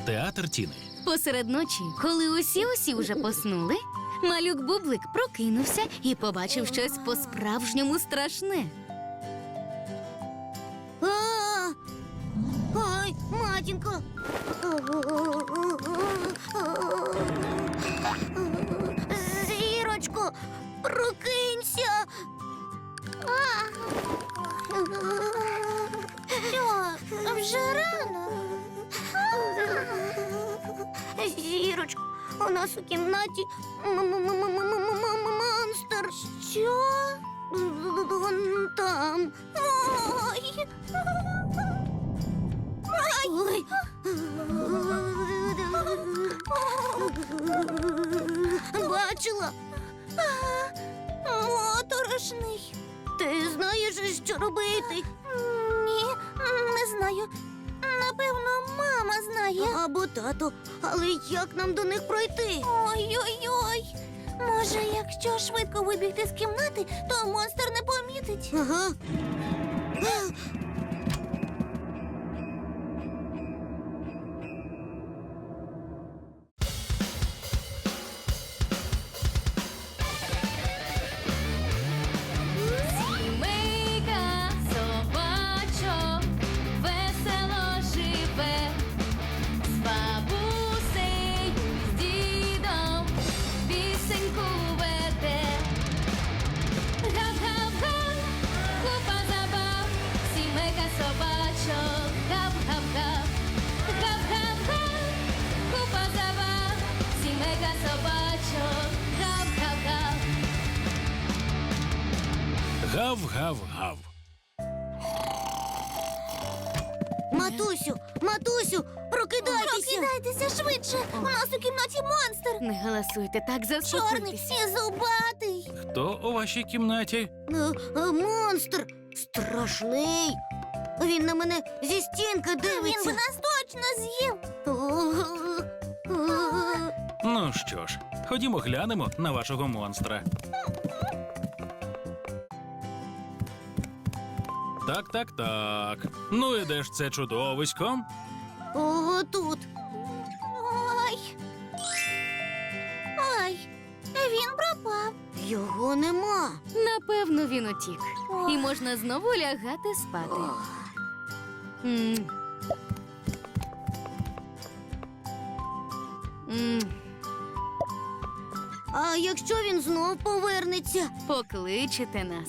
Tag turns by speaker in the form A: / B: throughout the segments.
A: Театр Тіни.
B: Посеред ночі, коли усі вже поснули, малюк Бублик прокинувся і побачив щось по-справжньому страшне.
C: Ой, матінко! Зірочко, прокинься! Що, вже рано? Зірочко, у нас у кімнаті монстр. Що? Вон там. Ой! Ой! Бачила? Моторошний. Ти знаєш, що робити? Ні, не знаю. Напевно, мама знає. Або тато. Але як нам до них пройти? Ой-ой-ой. Може, якщо швидко вибігти з кімнати, то монстр не помітить. Ага.
B: Сімейка собачок весело живе, з бабусею, з дідом пісеньку веде. Гав-гав-га, купа забав, сімейка собачок, гав-гав-гав. Гав-гав-га, купа забав, сімейка собачок, гав-гав-гав.
A: Гав-гав-гав.
C: Матусю, прокидайтеся! Прокидайтеся швидше! У нас у кімнаті монстр!
B: Не галасуйте, так
C: Чорний
B: заспокойтеся.
C: і зубатий!
A: Хто у вашій кімнаті?
C: Монстр! Страшний! Він на мене зі стінки дивиться! Він би нас точно з'їв!
A: Ну що ж, ходімо глянемо на вашого монстра. Так. Ну і де ж це чудовисько?
C: Ого, тут! Ой, він пропав! Його нема!
B: Напевно, він утік. І можна знову лягати спати. М. М.
C: А якщо він знов повернеться?
B: Покличете нас.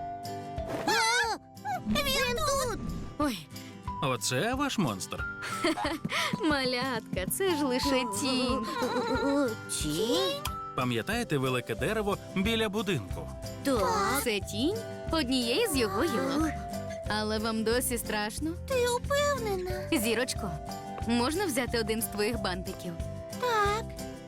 C: Він тут!
B: Ой,
A: Оце ваш монстр?
B: малятка, це ж лише тінь.
C: Тінь?
A: Пам'ятаєте велике дерево біля будинку?
C: Так.
B: Це тінь однієї з його гілок. Але вам досі страшно?
C: Ти упевнена?
B: Зірочко, можна взяти один з твоїх бантиків?
C: Так.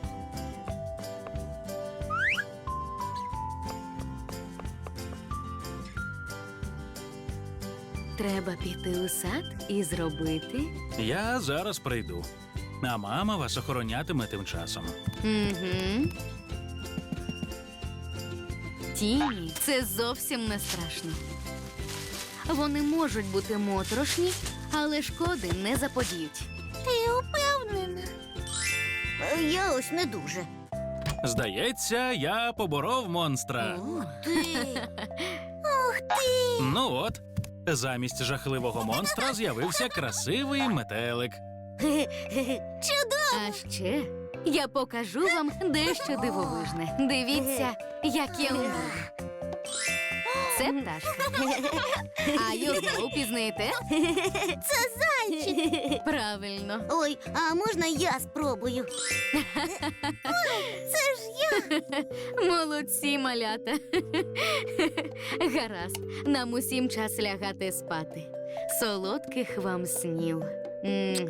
B: Треба піти у сад і зробити.
A: Я зараз прийду. А мама вас охоронятиме тим часом.
B: Угу. Тіні – це зовсім не страшно. Вони можуть бути моторошні, але шкоди не заподіють.
C: Ти упевнена? Я ось не дуже.
A: Здається, я поборов монстра.
C: Ти. Ух ти!
A: Ну от, замість жахливого монстра з'явився красивий метелик.
C: Чудово!
B: А ще я покажу вам дещо дивовижне. Дивіться, як я вмію. Це пташка. А його впізнаєте?
C: Це зайчик!
B: Правильно.
C: Ой, а можна я спробую? Це ж я!
B: Молодці, малята. Гаразд, нам усім час лягати спати. Солодких вам снів. М.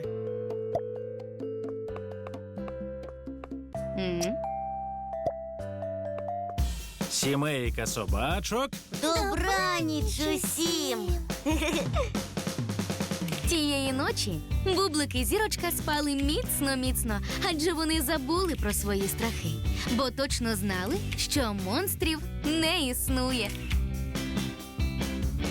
B: М.
A: Сімейка собачок.
C: Добраніч усім!
B: Тієї ночі Бублик і Зірочка спали міцно-міцно, адже вони забули про свої страхи, бо точно знали, що монстрів не існує.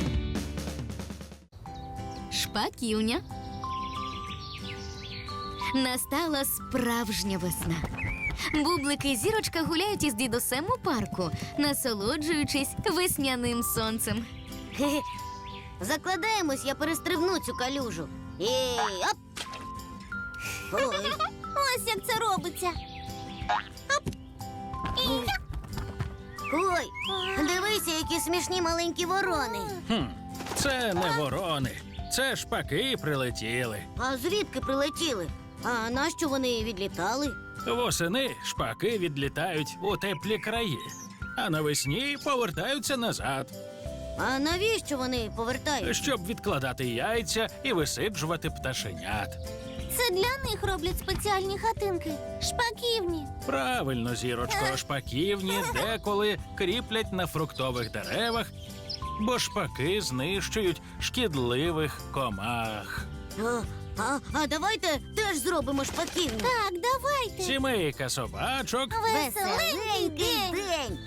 B: Шпаківня. Настала справжня весна. Бублики і Зірочка гуляють із дідусем у парку, насолоджуючись весняним сонцем.
C: Хе-хе. Закладаємось, я перестрибну цю калюжу. Оп! Ой. Ось як це робиться. Оп! Ой, дивися, які смішні маленькі ворони.
A: Це не ворони, це шпаки прилетіли.
C: А звідки прилетіли? А нащо вони відлітали?
A: Восени шпаки відлітають у теплі краї, а навесні повертаються назад,
C: А навіщо вони повертаються?
A: щоб відкладати яйця і висиджувати пташенят.
C: Це для них роблять спеціальні хатинки, шпаківні.
A: Правильно, Зірочко, шпаківні деколи кріплять на фруктових деревах, бо шпаки знищують шкідливих комах.
C: А давайте теж зробимо шпаківню. Так, давайте.
A: Сімейка собачок
C: Веселенький день.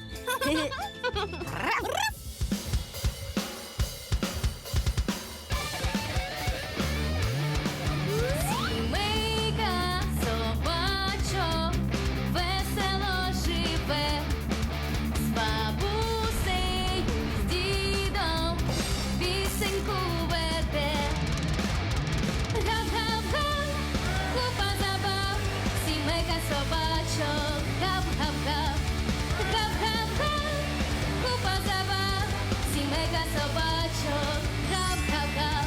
B: Сімейка собачок весело живе, з бабусею, з дідом пісеньку веде. Гав-гав-га, купа забав, сімейка собачок, гав-гав-гав. Гав-гав-га, купа забав, сімейка собачок, гав-гав-гав.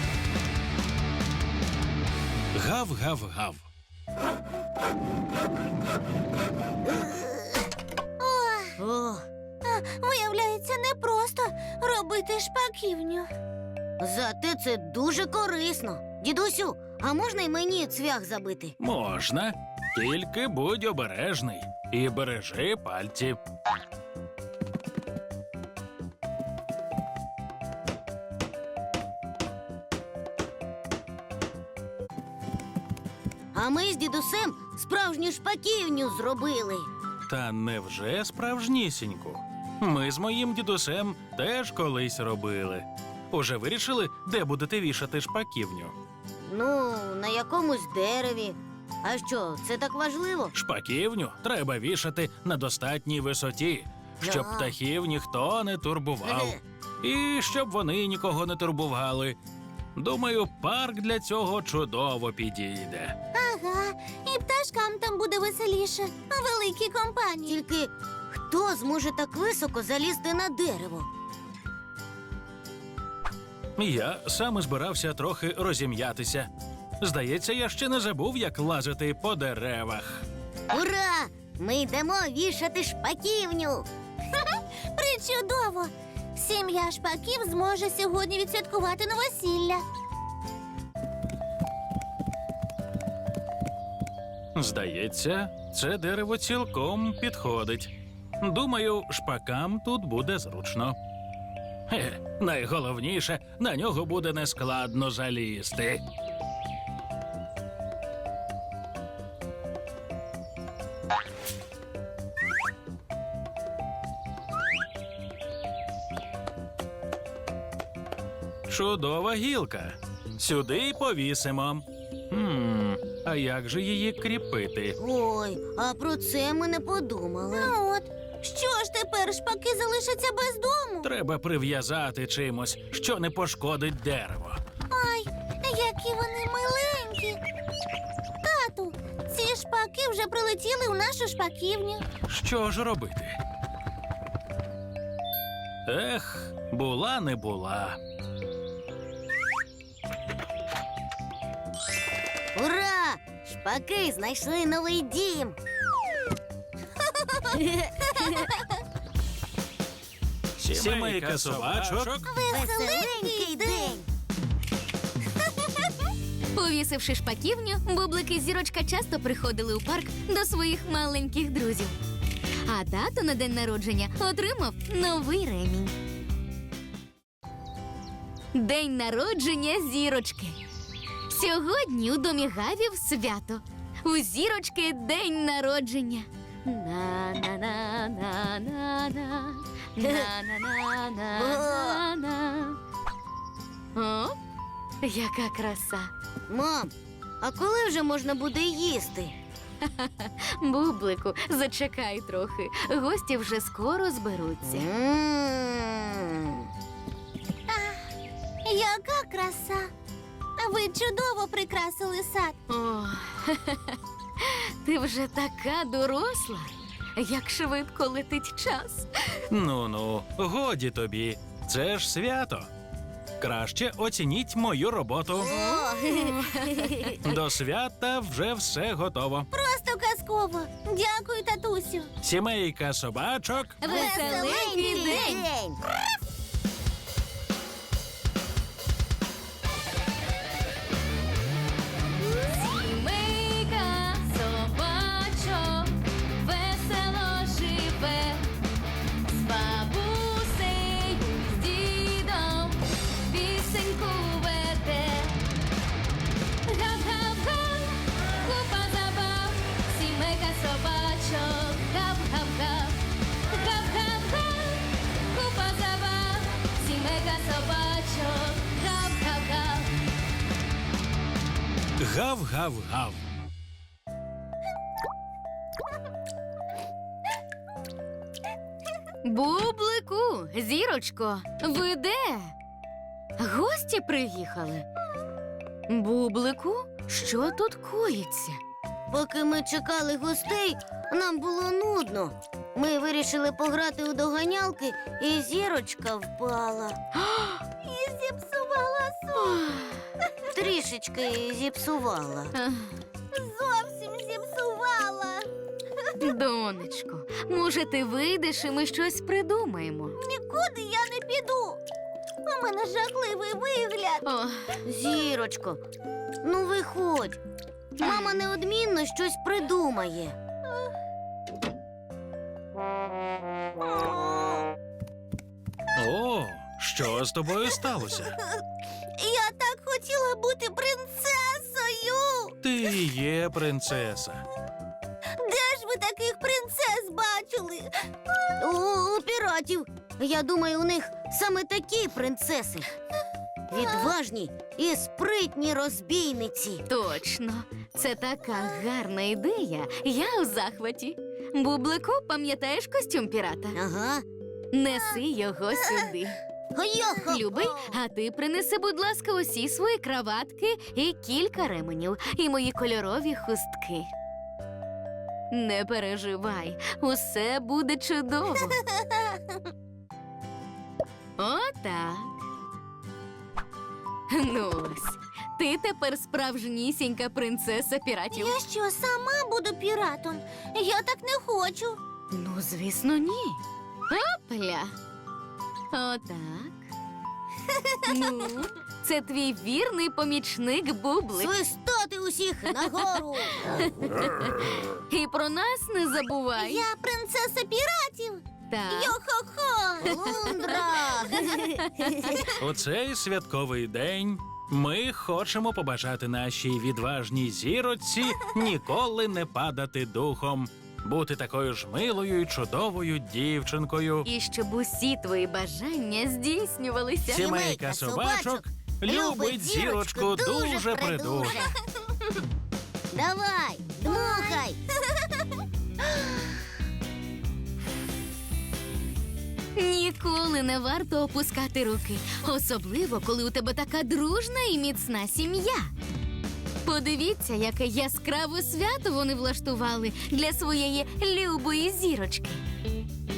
A: гав-гав-гав.
C: Виявляється, непросто робити шпаківню. Зате це дуже корисно. Дідусю, а можна й мені цвях забити?
A: Можна, тільки будь обережний і бережи пальці.
C: А ми з дідусем справжню шпаківню зробили.
A: Та невже справжнісіньку? Ми з моїм дідусем теж колись робили. Уже вирішили, де будете вішати шпаківню?
C: Ну, на якомусь дереві. А що, це так важливо?
A: Шпаківню треба вішати на достатній висоті, щоб
C: Да.
A: птахів ніхто не турбував. І щоб вони нікого не турбували. Думаю, парк для цього чудово підійде.
C: Ага, і пташкам там буде веселіше, а великій компанії. Тільки хто зможе так високо залізти на дерево?
A: Я саме збирався трохи розім'ятися. Здається, я ще не забув, як лазити по деревах.
C: Ура! Ми йдемо вішати шпаківню. Причудово! Сім'я шпаків зможе сьогодні відсвяткувати новосілля.
A: Здається, це дерево цілком підходить. Думаю, шпакам тут буде зручно. Найголовніше, на нього буде нескладно залізти. Чудова гілка. Сюди й повісимо. А як же її кріпити?
C: Ой, а про це ми не подумали. Ну от, що ж тепер шпаки залишаться без дому?
A: Треба прив'язати чимось, що не пошкодить дерево.
C: Ай, які вони миленькі. Тату, ці шпаки вже прилетіли у нашу шпаківню.
A: Що ж робити? Ех, була не була.
C: Ура! Шпаки знайшли новий дім.
A: Сімейка собачок
C: Веселенький день.
B: Повісивши шпаківню, Бублик і Зірочка часто приходили у парк до своїх маленьких друзів. А тато на день народження отримав новий ремінь. День народження Зірочки. Сьогодні у домі Гавів свято. У Зірочки день народження. На-на-на-на-на-на. На-на-на-на-на-на. О, яка краса.
C: Мам, А коли вже можна буде їсти?
B: Бублику, зачекай трохи. Гості вже скоро зберуться.
C: Яка краса! Ви чудово прикрасили сад.
B: О, ти вже така доросла. Як швидко летить час.
A: Ну, годі тобі. Це ж свято. Краще оцініть мою роботу. До свята вже все готово.
C: Просто казково. Дякую, татусю.
A: Сімейка собачок.
B: Веселенький день! Сімейка собачок весело живе, з бабусею, з дідом пісеньку веде. Гап-гап-га, купа забав, сімейка собачок, гап-гап-га. Гап-гап-га, купа забав, сімейка собачок, гап-гап-га.
A: Гав-гав-гав.
B: Бублику, зірочко, ви де? Гості приїхали. Бублику, що тут коїться?
C: Поки ми чекали гостей, нам було нудно. Ми вирішили пограти у доганялки, і зірочка впала. І зіпсувала сон. Трішечки зіпсувала.
B: Ех,
C: Зовсім зіпсувала.
B: Донечко, може, ти вийдеш і ми щось придумаємо?
C: Нікуди я не піду. У мене жахливий вигляд.
B: О,
C: Зірочко, ну виходь. Мама неодмінно щось придумає.
A: О, що з тобою сталося?
C: Я так хотіла бути принцесою.
A: Ти і є принцеса.
C: Де ж ви таких принцес бачили? У піратів. Я думаю, у них саме такі принцеси. Відважні і спритні розбійниці.
B: точно, це така гарна ідея. Я у захваті. Бублику, пам'ятаєш костюм пірата?
C: Ага.
B: Неси його сюди.
C: Йохо.
B: Любий, а ти принеси, будь ласка, усі свої краватки і кілька ременів, і мої кольорові хустки. Не переживай, усе буде чудово. Отак. Ну ось, ти тепер справжнісінька принцеса піратів.
C: Я що, сама буду піратом? Я так не хочу.
B: Ну, звісно, ні. Опля. Отак. Ну, це твій вірний помічник Бублик.
C: Свистати усіх нагору.
B: І про нас не забувай.
C: Я принцеса піратів.
B: Так.
C: Йо-хо-хо. Лундра.
A: У цей святковий день ми хочемо побажати нашій відважній зіроці ніколи не падати духом, бути такою ж милою і чудовою дівчинкою.
B: І щоб усі твої бажання здійснювалися.
A: Сімейка собачок любить зірочку дуже придуже.
C: Давай, дмухай.
B: Ніколи не варто опускати руки, особливо, коли у тебе така дружна і міцна сім'я. Подивіться, яке яскраве свято вони влаштували для своєї любої зірочки.